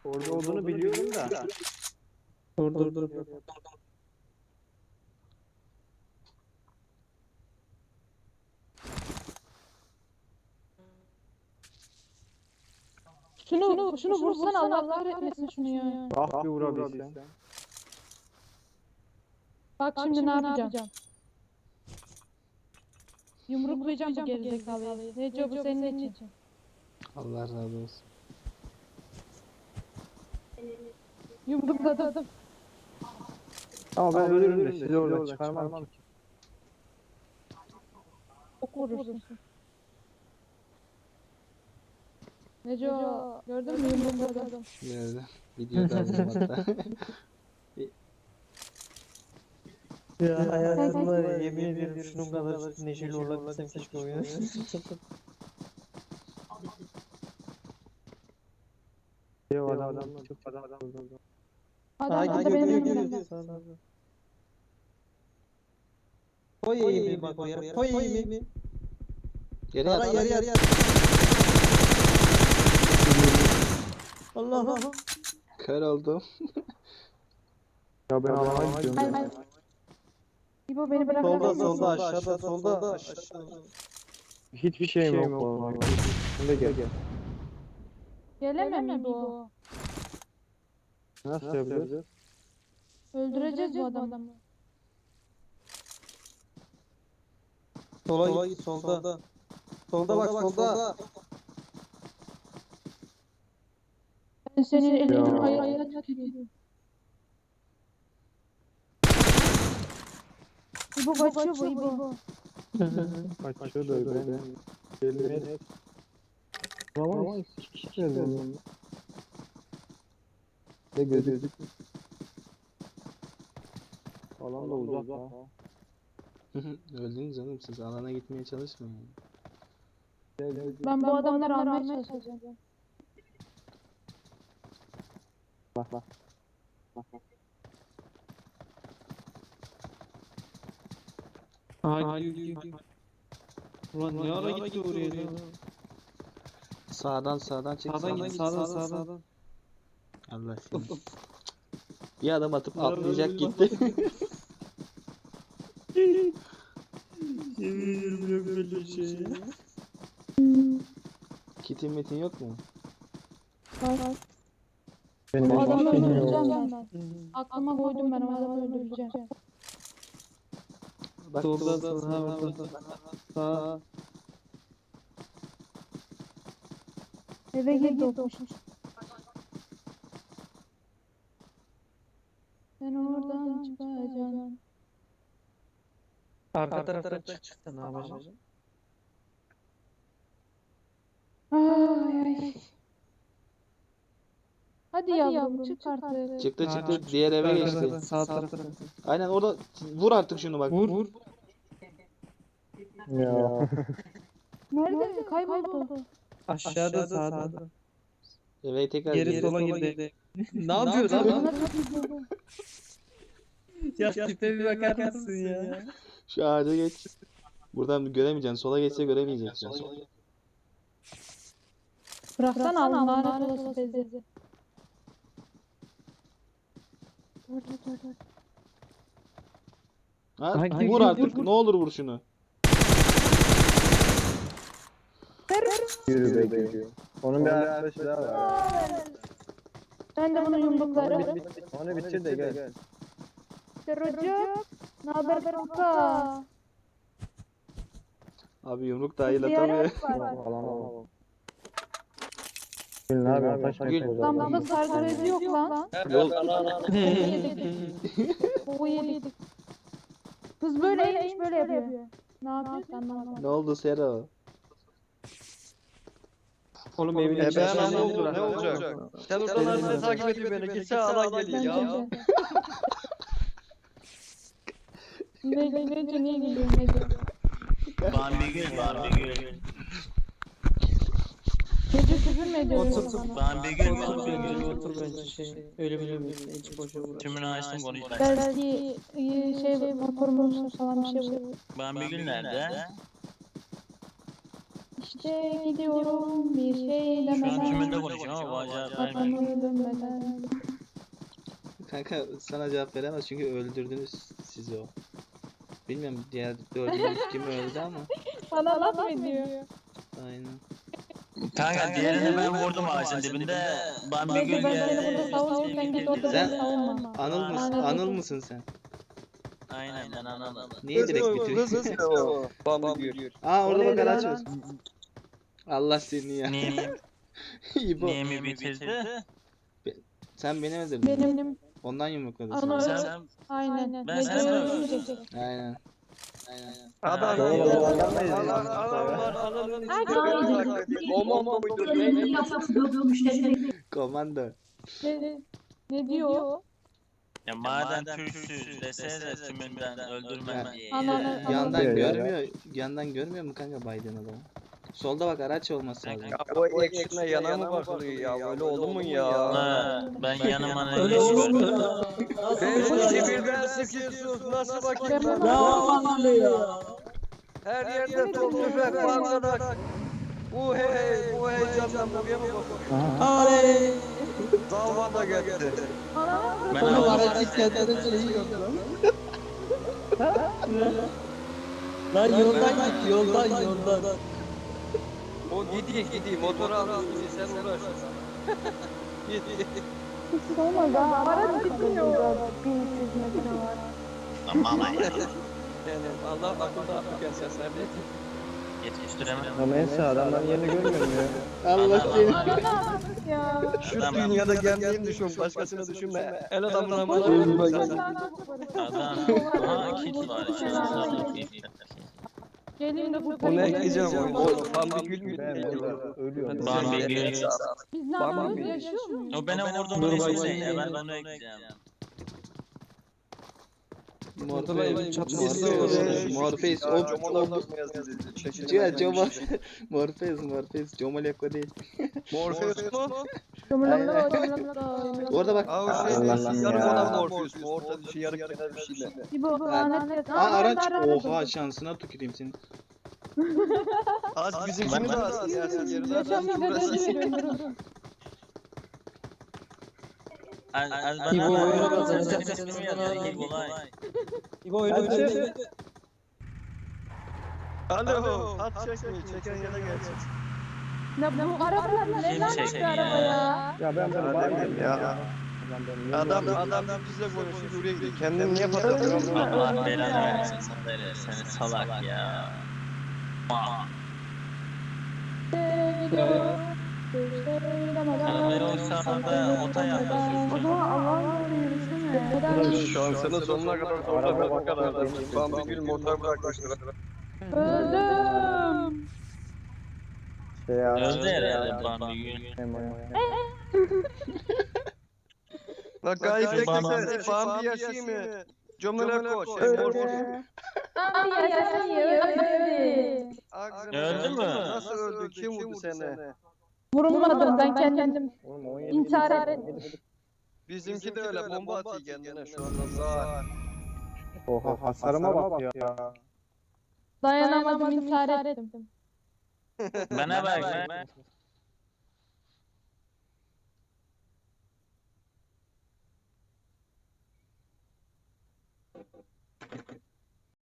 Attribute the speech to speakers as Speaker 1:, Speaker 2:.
Speaker 1: Orada olduğunu biliyorum da.
Speaker 2: Dur.
Speaker 3: Şunu vursan Allah kahretmesin şunu ya.
Speaker 1: Ah bir vurabilsem.
Speaker 3: Bak şimdi ne yapacağım? Yumruklayacağım bu gerizekalıyı. Neco bu senin için.
Speaker 2: Allah razı olsun.
Speaker 3: Yumrukladım.
Speaker 1: Ama ben ölürüm de sizi oradan çıkarmam ki.
Speaker 3: Çok vurursun. Neco gördün mü yumrukladım.
Speaker 2: Nerede? Videoda aldım hatta.
Speaker 1: Ya hayatımda yemin ediyorum şunun kadar neşeli olabilsem keşke oyunu. Ya adam çok adam.
Speaker 3: Adam da benim önümden.
Speaker 1: Koy eğimi bak o yere. Koy eğimi.
Speaker 2: Yere yat.
Speaker 1: Yarı. Allah.
Speaker 2: Kör oldum.
Speaker 1: Ya ben alana gidiyorum.
Speaker 3: Ay. İbo beni bırakabilir misin?
Speaker 1: Solda aşağıda. Hiçbir şeyim yok vallahi. Şimdi gel.
Speaker 3: Gelemem İbo.
Speaker 1: Nasıl yapacağız?
Speaker 3: Öldüreceğiz bu adamı.
Speaker 1: Sola git solda. Solda bak solda.
Speaker 3: Ben senin elinin ayağına tüküreyim. İbo kaçıyor bu İbo.
Speaker 1: Kaçıyor da ben. Elime. Ama iki kişi geldi. Ne gözük? Falan da uzak ha.
Speaker 2: Öldünüz canım siz alana gitmeye çalışmayın.
Speaker 3: Ben bu adamları almaya çalışacağım.
Speaker 1: Bak.
Speaker 4: Gidiyor. Ulan ne ara gitti oraya lan?
Speaker 2: Sağdan çık.
Speaker 4: Sağdan git sağdan.
Speaker 2: Allah seni. Bir adam atıp atlayacak gitti.
Speaker 4: Yemin ediyorum yok böyle şey ya.
Speaker 2: Kitin metin yok mu?
Speaker 3: Var.
Speaker 1: Benim
Speaker 3: Bu adamı
Speaker 1: hiçbir şeyim
Speaker 3: öldüreceğim
Speaker 1: yok.
Speaker 3: ben. Aklıma koydum ben o adamı öldüreceğim.
Speaker 2: Bak
Speaker 4: Solda orada. Sağ.
Speaker 3: Eve girdi o koşmuş. Ben oradan çıkacağım.
Speaker 4: Arka taraftan çıktı ne yapacağım?
Speaker 3: Ay. Hadi yavrum çık artık.
Speaker 2: çıktı diğer eve geçti.
Speaker 4: Sağ taraftan.
Speaker 2: Aynen orada vur artık şunu bak.
Speaker 4: Vur.
Speaker 1: Ya.
Speaker 3: Nerede? Kayboldu.
Speaker 4: Aşağıda sağda.
Speaker 2: Eve tekrar
Speaker 4: Geri
Speaker 2: geri.
Speaker 4: sola girdi. Ne yapıyor lan?
Speaker 3: Bana tutuldu.
Speaker 4: Ya tipe bir bakar mısın ya?
Speaker 2: Şu ağaca geç. Buradan göremeyeceksin. Sola geçse göremeyeceksin.
Speaker 3: Bıraksan al lanet olası teyze. Dur.
Speaker 2: Ha,
Speaker 4: Ha,
Speaker 2: vur
Speaker 4: gir,
Speaker 2: artık.
Speaker 4: vur.
Speaker 2: Ne olur vur şunu.
Speaker 1: Yürü be. Onun bir arkadaşı daha var.
Speaker 3: Ben de bunu yumruklarım.
Speaker 1: Onu bitir de gel.
Speaker 3: Çocuk. Ne haber kanka?
Speaker 2: Abi yumruk dahil atamıyor.
Speaker 1: Alamam. Ne yapıyorsun? Taş
Speaker 2: Gül.
Speaker 1: mı
Speaker 3: Lan bunda sargı bezi yok lan.
Speaker 2: Yol.
Speaker 3: Boğu yedik. Kız böyleymiş böyle yapıyor. Ne yapıyorsun anlamadım.
Speaker 2: Ne oldu Sero?
Speaker 4: Oğlum evin
Speaker 1: ben
Speaker 4: içi
Speaker 1: anne
Speaker 4: ne
Speaker 1: oldu
Speaker 4: oldu?
Speaker 1: Ne olacak? Sen oradan beni takip ediyor beni. Gitse alan geliyor ya.
Speaker 3: Nece niye geliyorsun Nece?
Speaker 5: Bambi Gül.
Speaker 3: Nece küfür mü ediyorsun
Speaker 4: Otur.
Speaker 3: bana?
Speaker 5: Bambi Gül.
Speaker 4: Otur bence şey. Öyle bir hiç boşa uğraş.
Speaker 5: Tümünü açtım konuş.
Speaker 3: Belki motorumuz falan bir şey bu.
Speaker 5: Bambi Gül nerede?
Speaker 3: İşte gidiyorum bir şey
Speaker 5: Şu an
Speaker 3: demeden.
Speaker 5: tümünde konuşuyorum ama bu acayip ben.
Speaker 3: Kafamı dönmeden.
Speaker 2: Kanka sana cevap veremez çünkü öldürdünüz sizi o. Bilmiyorum diğer dördünüz kim öldü ama.
Speaker 3: Bana laf mı ediyor?
Speaker 2: Aynen.
Speaker 5: Kanka diğerini ben vurdum ağacın dibinde. Bambi
Speaker 3: Neyse
Speaker 5: Gül
Speaker 3: ben seni burada
Speaker 5: geldi.
Speaker 3: savunayım sen git orada
Speaker 2: Sen-
Speaker 3: beni savunma.
Speaker 2: Anıl mısın?
Speaker 3: Aynen.
Speaker 2: Anıl mısın sen?
Speaker 5: Aynen ben anladım.
Speaker 2: Niye direkt bitiriyorsun?
Speaker 4: o. Bambi.
Speaker 2: Aa orada
Speaker 1: O
Speaker 2: bak
Speaker 1: neydi
Speaker 2: araç
Speaker 1: lan?
Speaker 2: var. Allah seni ya.
Speaker 5: Niye
Speaker 2: İbo.
Speaker 5: mi bitirdi?
Speaker 2: Sen beni öldürdün.
Speaker 3: Benim
Speaker 2: Ondan yumrukladın
Speaker 3: Ana-
Speaker 2: sen.
Speaker 5: Sen
Speaker 3: aynen.
Speaker 5: Ben
Speaker 3: Ne
Speaker 5: sana
Speaker 3: diyor,
Speaker 5: böyle-
Speaker 3: öldürecek.
Speaker 2: Aynen.
Speaker 4: Adam
Speaker 1: Doğru,
Speaker 4: ya.
Speaker 1: doğru, anlamayız
Speaker 4: Adam
Speaker 1: ya.
Speaker 4: adamın
Speaker 3: Ay,
Speaker 4: içinde bomba muydu? Neydi?
Speaker 2: Komando.
Speaker 3: Ne diyor?
Speaker 5: ya madem Türksüz desene tümünden öldürmem diye.
Speaker 3: Ananı-
Speaker 2: Yandan
Speaker 1: diyor ya?
Speaker 2: görmüyor. Yandan görmüyor mu kanka Biden adamı? Solda bak araç olması lazım.
Speaker 4: Ya bu ekşine yana mı bakılıyor ya? Öyle olur mu ya?
Speaker 5: Ha, ben yanıma ne
Speaker 1: Öyle
Speaker 5: iş
Speaker 1: olur mu
Speaker 5: gördüm.
Speaker 1: ya?
Speaker 4: Ben
Speaker 1: Nasıl
Speaker 4: sizi
Speaker 1: ya?
Speaker 4: birden sıkıyorsunuz. Nasıl bakayım
Speaker 3: Ben-
Speaker 4: ben?
Speaker 1: Ya aman ya.
Speaker 4: Her yerde top tüfek bankadak. Bu heyecandan buraya mı bakıyorsun?
Speaker 1: Aley.
Speaker 4: Dalma da gitti.
Speaker 3: Ananı
Speaker 5: Ben
Speaker 1: Onun
Speaker 5: aldım.
Speaker 1: aracı kendine şeyi yok lan. Lan yoldan git yoldan.
Speaker 4: O gidiyor motoru almış sen uğraş. Gidiyor.
Speaker 3: hiç olmaz ha. Araç gitmiyor. 1300 metre var.
Speaker 5: Aman ya.
Speaker 4: Yani Allah akılda akıl gelsen sen de.
Speaker 5: Yetiştiremem.
Speaker 1: Ama neyse adamlar yerini görmüyor mu ya?
Speaker 2: Allah seni.
Speaker 3: Ananı ya.
Speaker 4: Şu
Speaker 5: Adam-
Speaker 4: dünyada kendini düşün, başkasını düşünme. El adamına
Speaker 3: Boş
Speaker 4: bana
Speaker 3: ver,
Speaker 4: sen.
Speaker 3: sen daha çok varız.
Speaker 5: Adam. Aha kit var.
Speaker 3: Gelin de
Speaker 4: Onu
Speaker 3: kurtarın.
Speaker 4: ekleyeceğim oyunu. O Bambi Gül mü?
Speaker 1: Ben burada ölüyorum.
Speaker 5: Bambi Gül.
Speaker 3: Biz ne yapıyoruz? Yaşıyor muyuz?
Speaker 5: O benim vurduğum
Speaker 1: Dur
Speaker 5: resmi
Speaker 1: bakayım.
Speaker 5: de ben onu ekleyeceğim.
Speaker 2: Morpheus.
Speaker 1: çatışması.
Speaker 2: Morpheus. Morpheus. Comoleko değil.
Speaker 4: Morpheus mu?
Speaker 3: Cumhurbaşkanı Cumhurbaşkanı.
Speaker 2: Orada bak.
Speaker 4: Aa o şey
Speaker 1: Allah'ım
Speaker 4: yarım
Speaker 1: ya.
Speaker 4: adam Morpheus mu? Orta bir şey yarım kenar bir şeyle.
Speaker 3: İbo lanet.
Speaker 2: Aa araç. Oha şansına tüküreyim seni.
Speaker 4: Az bizimkini de az yersin yerine.
Speaker 3: Yaşam mücadelesi veriyorum.
Speaker 1: İbo oyunu
Speaker 5: kazanacak.
Speaker 1: kazanacak.
Speaker 5: Senin ismini yazıyor. İyi kolay.
Speaker 1: İbo oyunu
Speaker 4: Alo, hat çekmeyi çeken yana gelsin.
Speaker 3: Ne bu arabalar ne
Speaker 5: Kim
Speaker 3: lanet bir
Speaker 5: çekiyor
Speaker 3: araba
Speaker 5: ya?
Speaker 3: ya.
Speaker 1: Ya ben bunu bayılıyorum ya.
Speaker 4: Adam bizle konuşuyor buraya gidiyor. Kendini niye patlatıyorsun?
Speaker 5: Allah belanı versin sana seni salak ya. Arabayı o sahada ota yaklaşıyorsun.
Speaker 3: O zaman Allah'ın yolunu yürüsene.
Speaker 4: Şansının sonuna kadar zorla ne kadar da Bambi Gül motor bırakmışlar.
Speaker 3: Öldüm.
Speaker 5: Öldü herhalde Bambi Gül.
Speaker 4: Bak gayet
Speaker 5: Bambi-
Speaker 4: beklese Bambi yaşıyor mu? Cömele koş. Morpheus.
Speaker 3: Abi yaşasın öldü.
Speaker 5: Öldü mü?
Speaker 4: Nasıl öldü? Kim vurdu seni?
Speaker 3: Vurulmadım ben kendim intihar ettim.
Speaker 4: Bizimki de öyle bomba atıyor kendine şu anda sağ.
Speaker 1: Oha hasarıma bak ya.
Speaker 3: Dayanamadım intihar ettim.
Speaker 5: Bana bak.